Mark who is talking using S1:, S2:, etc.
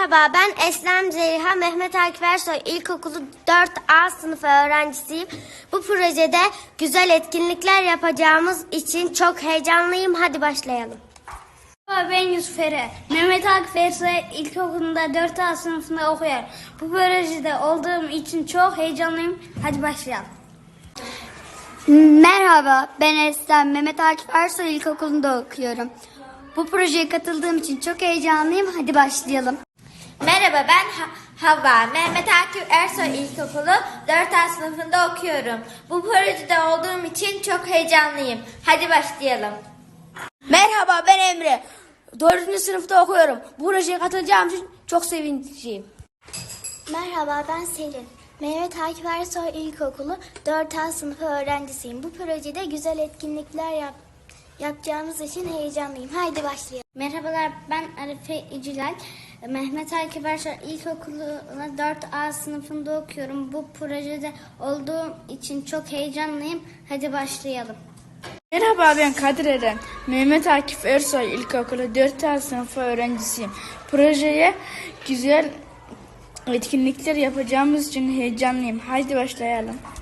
S1: Merhaba, ben Eslem Zeliha Mehmet Akif Ersoy İlkokulu 4A sınıfı öğrencisiyim. Bu projede güzel etkinlikler yapacağımız için çok heyecanlıyım. Hadi başlayalım.
S2: Merhaba, ben Yusuf Ere. Mehmet Akif Ersoy İlkokulu'nda 4A sınıfında okuyorum. Bu projede olduğum için çok heyecanlıyım. Hadi başlayalım.
S3: Merhaba, ben Eslem. Mehmet Akif Ersoy İlkokulu'nda okuyorum. Bu projeye katıldığım için çok heyecanlıyım. Hadi başlayalım.
S4: Merhaba, ben Havva. Mehmet Akif Ersoy İlkokulu 4A sınıfında okuyorum. Bu projede olduğum için çok heyecanlıyım. Hadi başlayalım.
S5: Merhaba, ben Emre. 4. sınıfta okuyorum. Bu projeye katılacağım için çok sevinçliyim.
S6: Merhaba, ben Selin. Mehmet Akif Ersoy İlkokulu 4A sınıfı öğrencisiyim. Bu projede güzel etkinlikler yapacağımız için heyecanlıyım. Haydi başlayalım.
S2: Merhabalar, ben Arife İcilal. Mehmet Akif Ersoy İlkokulu'na 4A sınıfında okuyorum. Bu projede olduğum için çok heyecanlıyım. Hadi başlayalım.
S7: Merhaba, ben Kadir Eren. Mehmet Akif Ersoy İlkokulu 4A sınıfı öğrencisiyim. Projeye güzel etkinlikler yapacağımız için heyecanlıyım. Haydi başlayalım.